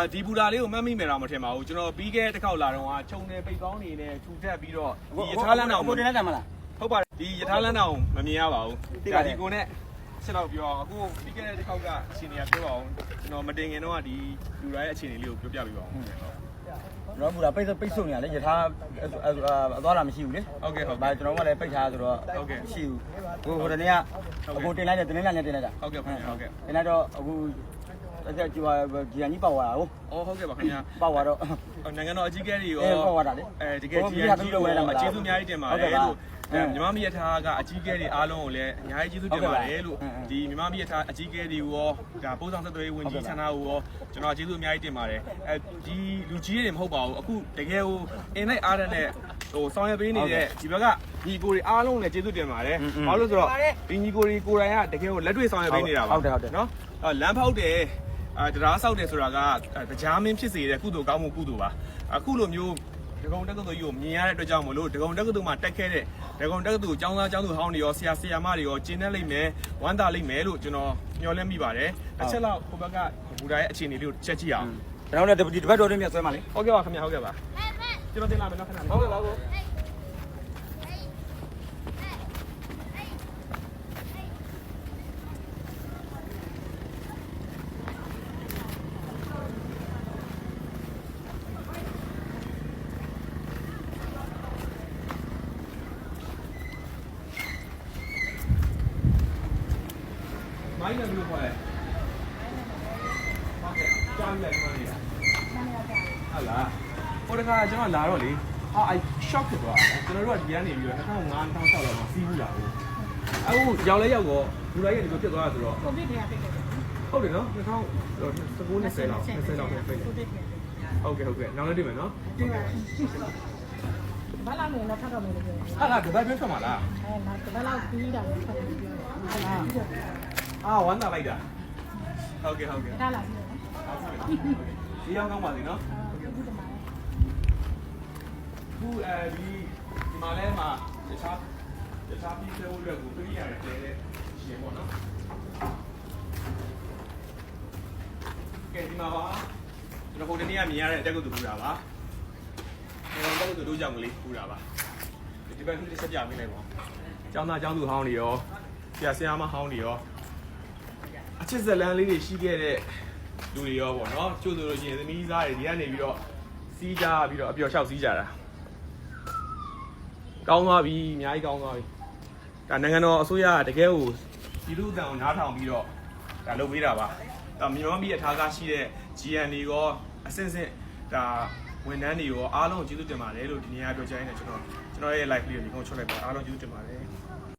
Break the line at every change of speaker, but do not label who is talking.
ဒီဘူတာလေးကိုမှတ်မိမယ်တော့မထင်ပါဘူးကျွန်တော်ပြီးခဲ့တစ်ခေါက်လာတော့ခြုံနေပိတ်ကောင်းနေနဲ့ထူထပ်ပြီးတော့ဒီရထားလမ်းတောင်ကိုတင်လိုက်တယ်မလားဟုတ်ပါတယ်ဒီရထားလမ်းတောင်မမြင်ရပါဘူးဒါဒီကိုနဲ့ဆက်တော့ပြောအခုပြီးခဲ့တဲ့တစ်ခေါက်ကအခြေအနေကပြောပါအောင်ကျွန်တော်မတင်ခင်တော့ဒီလူတိုင်းရဲ့အခြေအနေလေးကိုပြောပြပေးပါဦး
တော့ဘူတာပိတ်ဆို့နေရလေရထားအသွားလာမရှိဘူးလေ
ဟုတ်ကဲ့ဟုတ်
ပါကျွန်တော်ကလည်းပိတ်ထားဆိုတော့
ဟုတ်ကဲ့
မရှိဘူးဟိုတနေ့ကအခုတင်လိုက်တယ်တင်လိုက်တယ်တင်လိုက်တာ
ဟုတ်ကဲ့ဟုတ်ကဲ့
တင်လိုက်တော့အခုအဲ့ကျူဂျီယန်ကြီးပေါက်သွားတာဟုတ်
ဟုတ်ကဲ့ပါခင်ဗျာ
ပေါက်သွားတော့
နိုင်ငံတော်အကြီးအကဲတွေရော
ပေါက်သွားတာလေ
တကယ်ဂျီယန်ကြီးကိုကျေးဇူးအများကြီးတင်ပါတယ်လို့မြန်မာပြည်ရထားကအကြီးအကဲတွေအားလုံးကိုလည်းအများကြီးကျေးဇူးတင်ပါတယ်လို့ဒီမြန်မာပြည်ရထားအကြီးအကဲတွေကိုရောဒါပို့ဆောင်ဆက်သွယ်ရေးဝန်ကြီးဌာနကိုရောကျွန်တော်ကျေးဇူးအများကြီးတင်ပါတယ်ဒီလူကြီးတွေမဟုတ်ပါဘူးအခုတကယ်ကိုအင်လိုက်အားတဲ့နဲ့ဆောင်ရွက်ပေးနေတဲ့ဒီဘက်ကညီကိုတွေအားလုံးလည်းကျေးဇူးတင်ပါတယ်ဘာလို့ဆိုတော့ဒီညီကိုတွေကိုယ်တိုင်ကတကယ်ကိုလက်တွေ့ဆောင်ရွက်ပေးနေတာပါ
ဟုတ်တယ်
နော်လမ်းဖောက်တယ်တရားဆောက်တယ်ဆိုတာကတရားမင်းဖြစ်စေတဲ့ကုသိုလ်ကောင်းမှုကုသိုလ်ပါအခုလိုမျိုးဒဂုံတက္ကသိုလ်ကြီးကိုမြင်ရတဲ့အတွက်ကြောင့်မလို့ဒဂုံတက္ကသိုလ်မှာတက်ခဲ့တဲ့ဒဂုံတက္ကသိုလ်ကျောင်းသားကျောင်းသူဟောင်းတွေရောဆရာဆရာမတွေရောကျင်းနေလိမ့်မယ်ဝမ်းသာလိမ့်မယ်လို့ကျွန်တော်မျှော်လင့်မိပါတယ်တစ်ချက်လောက်ဟိုဘက်ကဘူတာရဲ့အခြေအနေလေးကိုချက်ကြည့်အောင်
ကျွန်တော်လည်းဒီဘက်တော်တွေမြတ်ဆွဲမှာလေ
ဟုတ်ကဲ့ပါခင်ဗျာဟုတ်ကဲ့ပါကျွန်တော်တင်လာမယ်နော်ခဏလေးဟုတ်ကဲ့ပါကိုမိုင်းလည်းဘယ်လိုခေါ်လဲဟုတ်ကဲ့ကြောင်းလည်းခေါ်နေတာဟုတ်လားဟိုတခါကျွန်တော်လာတော့လေshock ဖြစ်သွားတယ်ကျွန်တော်တို့ကဒီကနေပြီးတော့2005 2006လောက်မှာစီးဘူးလာဘူးအခုရောက်လဲရောက်တော့လူတိုင်းရဲ့ဒီလိုဖြစ်သွားတာဆိုတော့
ကိုဗစ်တွေကဖြစ်တယ်
ဟုတ်တယ်နော်2019 20လောက်ဖြစ်တယ်ဟုတ်ကဲ့နောက်လည်းတွေ့မယ်နော်
ဘာလာနေတော့ဖတ်တော့မယ်လို့ပြောတယ်
ဟာလားဒီဘက်ပြောထွက်မှာလား
နောက်ဒီဘက်လောက်ပြီးတာလည်းဖတ်တယ်ပြောတယ်
ဝမ်းသာလိုက်တာဟုတ်ကဲ့
ဒါလာပြီ
ဒီရောက်ကောင်းပါစေနော်ခုဒီမှာလဲမှာတခြားပြီးသေးဖို့အတွက်ကိုပြရတယ်တဲ့ရှင်ပေါ့နော်ကဲဒီမှာပါကျွန်တော်ဟိုတနေ့ကမြင်ရတဲ့အတက်ကုတ်တူပူတာပါကျွန်တော်တက်ကုတ်တူတို့ကြောင့်ကလေးပူတာပါဒီဘက်တစ်ချက်ပြပေးလိုက်ပါကျောင်းသားကျောင်းသူဟောင်းတွေရောဆရာဆရာမဟောင်းတွေရောအချစ်ဇလန်းလေးတွေရှိခဲ့တဲ့လူတွေရောပေါ့နော်ကျို့ဆိုလို့ရှိရင်သမီးသားတွေဒီကနေပြီးတော့စီးကြပြီးတော့အပျော်လျှောက်စီးကြတာကောင်းသွားပြီအများကြီးကောင်းသွားပြီဒါနိုင်ငံတော်အစိုးရကတကယ်ကိုပြည်သူ့အသံကိုနားထောင်ပြီးတော့ဒါလုပ်ပေးတာပါဒါမြန်မာပြည်အထားကားရှိတဲ့ GN တွေရောအစင်စစ်ဒါဝန်ထမ်းတွေရောအားလုံးကျေးဇူးတင်ပါတယ်လို့ဒီနေ့ကပြောချင်တယ်ကျွန်တော်ရဲ့ live လေးကိုဒီကုန်းချွတ်လိုက်ပါအားလုံးကျေးဇူးတင်ပါတယ်